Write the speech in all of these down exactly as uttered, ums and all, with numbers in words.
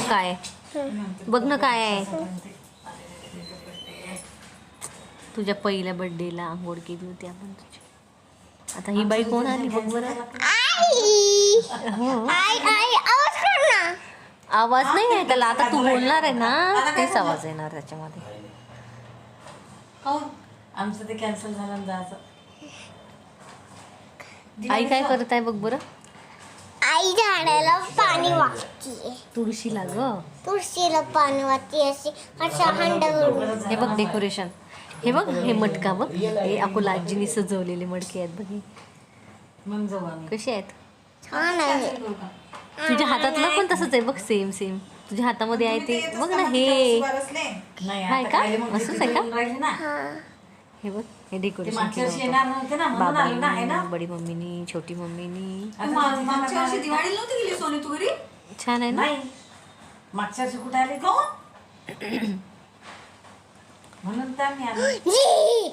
काय बघ ना काय आहे. तुझ्या पहिल्या बर्थडेला आंघोळ केली होती आपण तुझी. आता ही बाई कोण आली बघ बरं. आवाज नाही आहे त्याला. आता तू बोलणार आहे ना तेच आवाज येणार त्याच्यामध्ये. आमचं ते कॅन्सल झालं जायचं. आई काय करत आहे बघ बरं. आई झाडाला पाणी वाहतीये. तुळशीला ग. तुळशीला पाणी वाहती अशी अशा हंडावरून. हे बघ डेकोरेशन. हे बघ हे मटका बघ. हे अकोला आजीने सजवलेले मडके आहेत बघ. मग जाऊ आम्ही. कसे आहेत. छान आहे. तुझ्या हातातलं पण तसंच आहे बघ. सेम सेम तुझ्या हातामध्ये आहे ते बघ ना. हे नाही आहे आता का काय मग असंच तिथे आहे का. येऊन राहिली ना. हे बघ हे ते डेकोरेशन मागच्या केलं वर्षी येणार नव्हते ना होतं म्हणून आले ना आहे ना. बाबांनी, बडी मम्मीनी, छोटी मम्मीनी. आता मागच्या वर्षी दिवाळीला नव्हती गेली सोनी तू घरी. छान आहे ना. नाही मागच्या वर्षी कुठे आले का म्हणून तर मी आले. जी.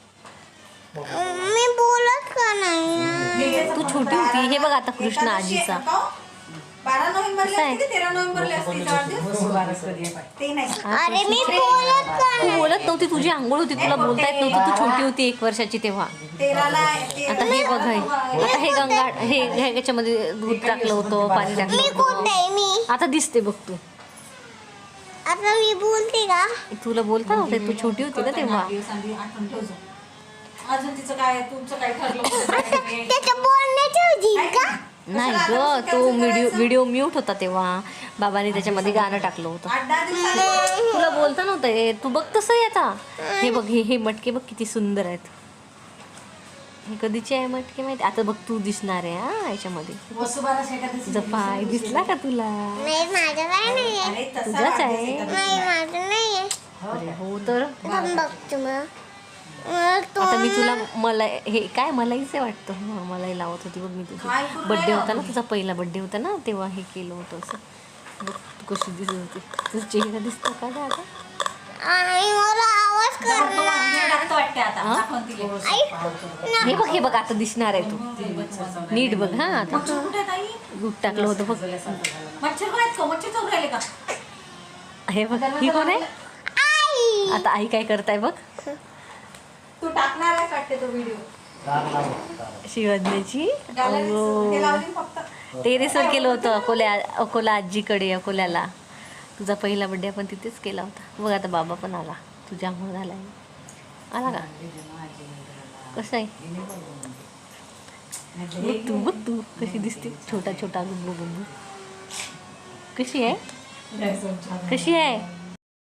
मी बोलत का नाही. तू छोटी होती. हे बघ आता कृष्ण आजीचा. बारा नोव्हेंबरला असते की तेरा नोव्हेंबरला असते हिचा वाढदिवस? बारस कधी आहे पाय. ते नाही. अरे मी बोलत का तू नाही. बोलत नव्हती. तुझी आंघोळ होती. तुला बोलता येत नव्हतं. तू छोटी होती एक वर्षाची तेव्हा. तेराला ते- आता हे बघ हे. आता हे गंगा हे हे याच्यामध्ये दूध टाकलं होतं पाणी टाकलं मी होतं. कोणते मी आता दिसते बघ तू. आता मी बोलते का. तुला बोलता नव्हते. तू छोटी होती ना तेव्हा. दिवसांनी आठवण ठेव जा. अजून तिचं काय तुमचं काय ठरलं होतं काय नाही? त्याच्या बोलण्याची होती का. नाही ग तो व्हिडिओ व्हिडिओ म्यूट होता तेव्हा. बाबांनी त्याच्यामध्ये गाणं टाकलं होतं. आठ दहा दिवसांनी तुला बोलता नव्हतं हे. तू बघ तसं आहे आता. हे बघ हे हे मटके बघ किती सुंदर आहेत. हे कधीचे आहे मटके माहिती. आता बघ तू दिसणार आहे हा याच्यामध्ये. वसुबारस एखादं तुझा पाय दिसला का तुला. नाही माझं काय नाही आहे. अरे तसा तुझाच आहे. वाढदिवस आहे. नाही माझं नाही आहे. अरे हो तर. थांब बघतो मग. मग तो आता मी तुला मला हे काय मलाहीच वाटतं. हा, मलाही लावत होती बघ मी तुझा काय करू बड्डे राहिला होता ना. तुम्ही? तुझा पहिला बड्डे होता ना तेव्हा हे केलं होतं असं. बघ तू कशी दिसत होती. तुझा चेहरा दिसतो का गं आता. आणि मला आवाज करणार. टाकतो वाटते आता हा? दाखवून तिले. आई हे बघ हे बघ आता दिसणार आहे तू. नीट बघ हा आता. मच्छर कुठे आहे ताई? दूध टाकलं होतं बघ. मच्छर काय आहेत का? मच्छर चावून राहिले का? हे बघ ही कोण आहे. आई आता आई काय करताय बघ. तू टाकणार आहेस वाटते तो व्हिडिओ. शिवजनेची ते लावली फक्त. टेरेसवर केलं होतं अकोल्या अकोला आजीकडे अकोल्याला. तुझा पहिला बड्डे आपण तिथेच केला होता. बघ आता बाबा पण आला. तुझ्या आंघोळ झालाय आला का. कसं आहे बघ तू बघ तू कशी दिसते. छोटा छोटा गुब्बू गुब्बू. कशी आहे कशी आहे.